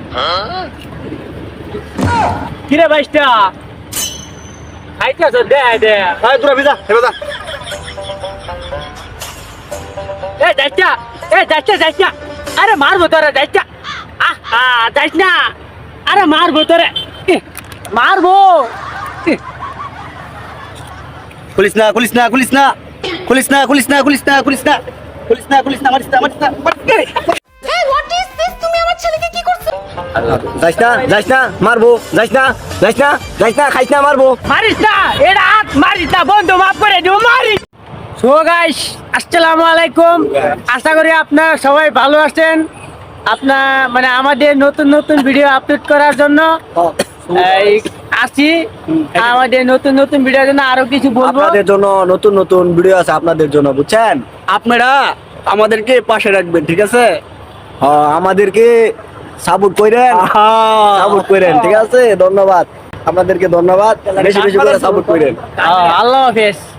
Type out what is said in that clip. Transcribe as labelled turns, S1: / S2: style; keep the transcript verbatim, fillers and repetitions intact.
S1: কিরে বাইশটা খাইতেছ দে দে
S2: ভাই তোরা ভিজা হেবা
S1: এ যাইছা এ যাইছা যাইছা আরে মারবো তোরে যাইছা আহা যাইছ না আরে মারবো তোরে ইহ, মারবো ইহ,
S2: খুলিস না খুলিস না খুলিস না খুলিস না খুলিস না খুলিস না খুলিস না খুলিস না খুলিস না মারিস না মারিস না মারিস না।
S3: এই হোয়াট ইজ দিস? তুমি আমার ছেলেকে কি করছো?
S2: যাইস না যাইস না মারবো যাইস না যাইস না যাইস না খাইস না মারবো।
S1: মারিস না এটা হাত মারিস না বন্ধু মাফ করে দিও মারিস। সো গাইস আসসালামু আলাইকুম, আশা করি আপনারা সবাই ভালো আছেন। আপনার মানে আমাদের নতুন নতুন ভিডিও আপলোড করার জন্য এই আসি, আমাদের নতুন নতুন ভিডিওর জন্য আরো কিছু বলবো।
S2: আপনাদের জন্য নতুন নতুন ভিডিও আছে আপনাদের জন্য, বুঝছেন? আপনারা আমাদেরকে পাশে রাখবেন, ঠিক আছে? হ্যাঁ, আমাদেরকে সাপোর্ট করেন, সাপোর্ট করেন, ঠিক আছে? ধন্যবাদ আপনাদেরকে, ধন্যবাদ। বেশি বেশি করে সাপোর্ট করেন।
S1: আল্লাহ হাফেজ।